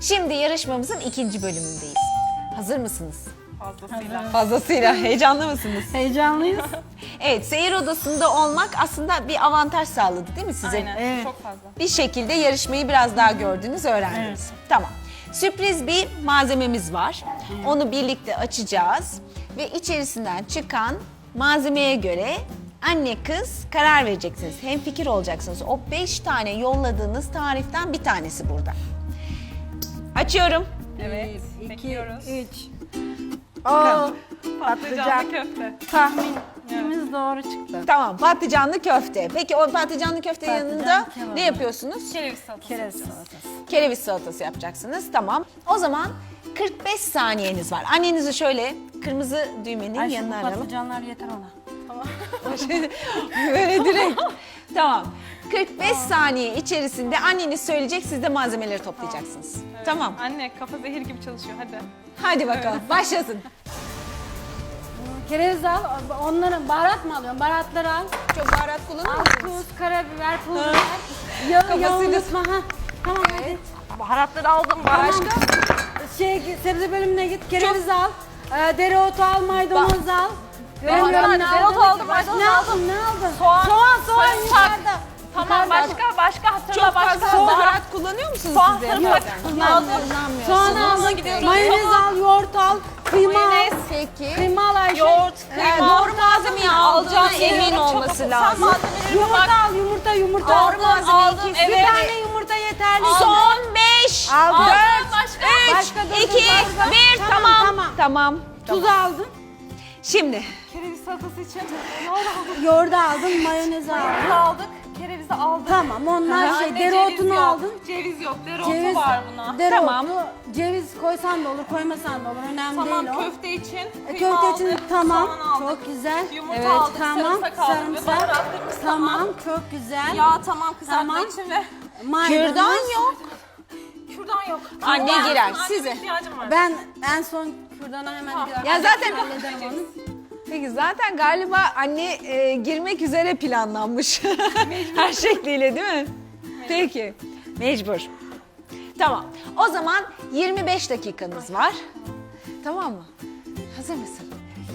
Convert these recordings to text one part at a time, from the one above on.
Şimdi yarışmamızın ikinci bölümündeyiz. Hazır mısınız? Fazlasıyla. Fazlasıyla. Heyecanlı mısınız? Heyecanlıyız. Evet, seyir odasında olmak aslında bir avantaj sağladı değil mi size? Aynen. Evet. Çok fazla. Bir şekilde yarışmayı biraz daha gördünüz, öğrendiniz. Tamam. Sürpriz bir malzememiz var. Onu birlikte açacağız ve içerisinden çıkan malzemeye göre anne kız karar vereceksiniz. Hemfikir olacaksınız. O 5 tane yolladığınız tariften bir tanesi burada. Açıyorum. Evet. 2, Bekliyoruz. 3. Oo, Patlıcanlı köfte. tahminimiz doğru çıktı. Tamam, patlıcanlı köfte. Peki o patlıcanlı köfte yanında kebabı. ne yapıyorsunuz? Kereviz salatası. Kereviz yapacağız. salatası. Kereviz salatası yapacaksınız. Tamam. O zaman 45 saniyeniz var. Annenizi şöyle kırmızı düğmenin Ay yanına şu aralım. patlıcanlar yeter ona. Böyle direkt. Tamam. 45 saniye içerisinde anneniz söyleyecek, siz de malzemeleri toplayacaksınız. Evet. Tamam. Anne kafa zehir gibi çalışıyor hadi. Hadi bakalım. Başlasın. Kereviz al, onların baharat mı alıyorsun? Baharatları al. Çok baharat kullanır Al mısınız? tuz, karabiber, pul biber. Yağı Kafasıyla- unutma. Ha. Tamam hadi. Baharatları aldım. Başka? Sebze bölümüne git, kereviz al. Dereotu al, maydanoz al. Dereotu Görmüyorum, aldım, ne dereotu aldın? aldım, maydanoz Ne aldım. aldın, ne aldın? Soğan, soğan sarımsak. yukarıda. Tamam Yukarıda. başka hatırla Çok fazla başka. baharat kullanıyor musunuz Soğan, siz de? sarımsak. Yaparken? Aldım. Soğan Soğanla al, gidiyoruz. mayonez Tamam. al, yoğurt al, kıyma al. Mayonez. Peki. Kıyma al Ayşe. Yoğurt, Yani kıyma. doğru malzemeyi aldığına emin olması Sen lazım. malzemelerine Yumurta bak. al, yumurta al. Doğru malzemeyi aldım, kesin. Bir evet. tane yumurta yeterli. Son 5, Aldım. 4, Başka. 3, Başka dur, 2, dur, 1. dur. Tamam. Tamam. Tamam. Tuz aldın, Şimdi Kereviz salatası için ne oldu? yoğurdu aldın, mayonez aldın. Kerevizi aldık. Kerevizi aldık. Tamam, onlar Anne, şey, ceviz dereotunu yok. aldın. Ceviz yok. Dereotu Ceviz var buna. Dereotu, Tamam. ceviz koysan da olur, koymasan da olur. Önemli Tamam değil o. köfte için kıyma Köfte için aldık, tamam, soğan aldık. çok güzel. Yumurta aldık, sarımsak aldık ve baharatlarımız Tamam, çok güzel. Yağ tamam kızartma Tamam. için ve Maydanoz. kürdan yok. kürdan yok. Anne Kürdan girer, yok. size. Annemin ihtiyacım var. Ben en son kürdana hemen girer. Ya zaten Hallederim onu. Peki zaten galiba anne girmek üzere planlanmış. Her şekliyle değil mi? Peki. Mecbur. Tamam. O zaman 25 dakikanız var. Tamam mı? Hazır mısın?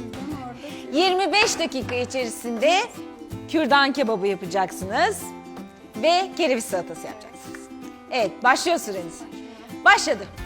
25 dakika içerisinde kürdan kebabı yapacaksınız ve kereviz salatası yapacaksınız. Evet, başlıyor süreniz. Başladı.